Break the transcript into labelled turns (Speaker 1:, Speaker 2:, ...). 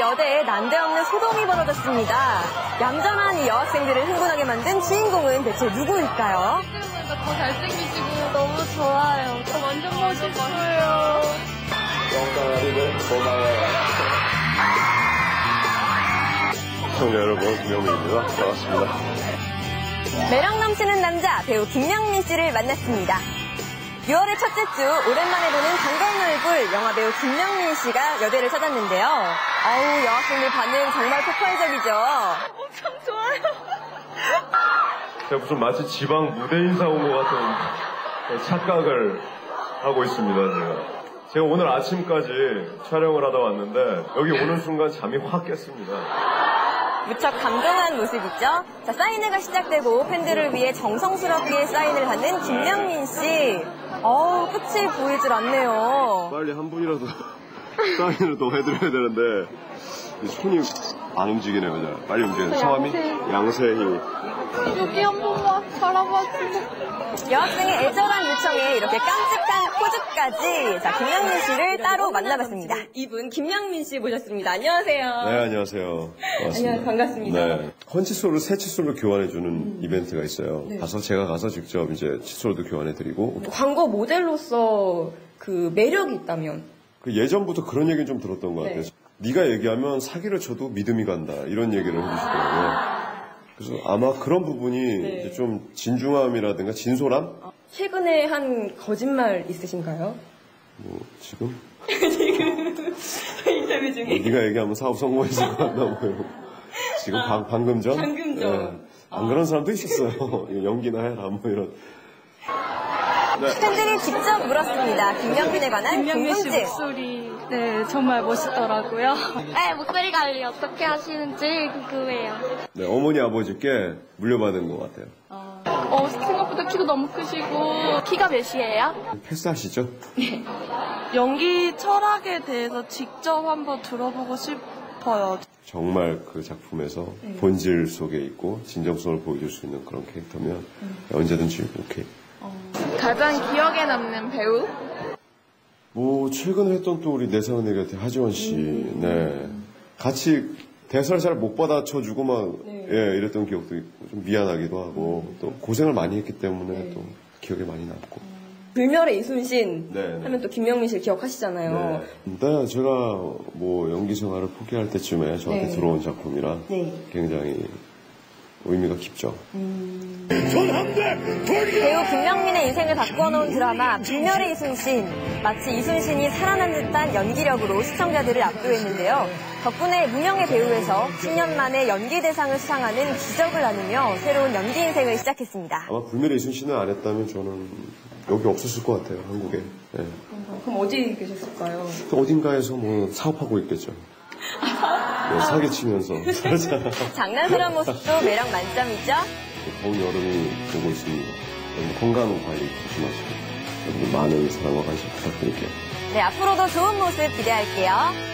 Speaker 1: 여대에 난데없는 소동이 벌어졌습니다. 얌전한 이 여학생들을 흥분하게 만든 주인공은 대체 누구일까요?
Speaker 2: 더 잘생기시고 너무 좋아요. 완전 멋있어요.
Speaker 3: 영광아리는 고마워요. 시청자 여러분, 김영민입니다. 반갑습니다.
Speaker 1: 매력 넘치는 남자 배우 김영민 씨를 만났습니다. 6월의 첫째 주 오랜만에 보는 반가운 얼굴 영화배우 김영민 씨가 여대를 찾았는데요. 어우, 여학생들 반응 정말 폭발적이죠.
Speaker 2: 엄청 좋아요.
Speaker 3: 제가 무슨 마치 지방 무대 인사 온 것 같은 착각을 하고 있습니다, 제가 오늘 아침까지 촬영을 하다 왔는데 여기 오는 순간 잠이 확 깼습니다.
Speaker 1: 무척 감동한 모습이죠. 자, 사인회가 시작되고 팬들을 위해 정성스럽게 사인을 하는 김영민 씨. 어우, 끝이 보일 줄 않네요.
Speaker 3: 빨리 한 분이라도 사인을 더 해드려야 되는데 손이 안 움직이네요. 자, 빨리 움직여요. 성함이 양세희.
Speaker 2: 여기 한 번만 바라봐주세요.
Speaker 1: 여학생의 애절한 요청에 이렇게 깜찍한 포즈까지. 자, 김영민 씨를 따로 만나봤습니다. 이분 김영민 씨 모셨습니다. 안녕하세요.
Speaker 3: 네, 안녕하세요. 반갑습니다.
Speaker 1: 안녕, 반갑습니다.
Speaker 3: 네, 헌 칫솔을 새 칫솔로 교환해주는 이벤트가 있어요. 네. 제가 가서 직접 이제 칫솔도 교환해드리고.
Speaker 1: 광고 모델로서 그 매력이 있다면?
Speaker 3: 그 예전부터 그런 얘기는 좀 들었던 것 같아요. 네. 네가 얘기하면 사기를 쳐도 믿음이 간다. 이런 얘기를 해주시더라고요. 그래서 아마 그런 부분이 네. 이제 좀 진중함이라든가 진솔함?
Speaker 1: 최근에 한 거짓말 있으신가요?
Speaker 3: 뭐 지금?
Speaker 1: 지금 인터뷰 중에.
Speaker 3: 네가 얘기하면 사업 성공했을 것 같나 뭐. 지금 방금 전?
Speaker 1: 방금 전.
Speaker 3: 네. 안 그런 사람도 있었어요. 연기나 해라 뭐 이런.
Speaker 2: 네.
Speaker 1: 팬들이 직접 물었습니다. 김영민에 관한
Speaker 2: 김영민 씨
Speaker 1: 궁금증.
Speaker 2: 목소리 네 정말 멋있더라고요. 네, 목소리 관리 어떻게 하시는지 궁금해요.
Speaker 3: 네, 어머니 아버지께 물려받은 것 같아요.
Speaker 2: 생각보다 키도 너무 크시고 키가 몇이에요?
Speaker 3: 패스하시죠?
Speaker 2: 네. 연기 철학에 대해서 직접 한번 들어보고 싶어요.
Speaker 3: 정말 그 작품에서 본질 속에 있고 진정성을 보여줄 수 있는 그런 캐릭터면 언제든지 오케이.
Speaker 2: 가장 기억에 남는 배우?
Speaker 3: 뭐 최근에 했던 또 우리 내상은혜 곁에 하지원 씨, 네, 같이 대사를 잘 못 받아쳐주고 막 예, 이랬던 기억도 있고 좀 미안하기도 하고 또 고생을 많이 했기 때문에 또 기억에 많이 남고.
Speaker 1: 불멸의 이순신 하면 또 김영민 씨를 기억하시잖아요.
Speaker 3: 네, 제가 뭐 연기 생활을 포기할 때쯤에 저한테 들어온 작품이라 굉장히 의미가 깊죠.
Speaker 1: 배우 김영민의 인생을 바꾸어 놓은 드라마 불멸의 이순신. 마치 이순신이 살아난 듯한 연기력으로 시청자들을 압도했는데요. 덕분에 무명의 배우에서 10년 만에 연기 대상을 수상하는 기적을 나누며 새로운 연기 인생을 시작했습니다.
Speaker 3: 아마 불멸의 이순신을 안 했다면 저는 여기 없었을 것 같아요, 한국에. 네.
Speaker 1: 그럼 어디 계셨을까요?
Speaker 3: 또 어딘가에서 뭐 사업하고 있겠죠. 네, 사기치면서.
Speaker 1: 장난스러운 모습도 매력 만점이죠.
Speaker 3: 더운 여름이 오고 있습니다. 여러분 건강 관리 조심하시고 여러분 많은 사랑과 관심 부탁드릴게요.
Speaker 1: 네, 앞으로도 좋은 모습 기대할게요.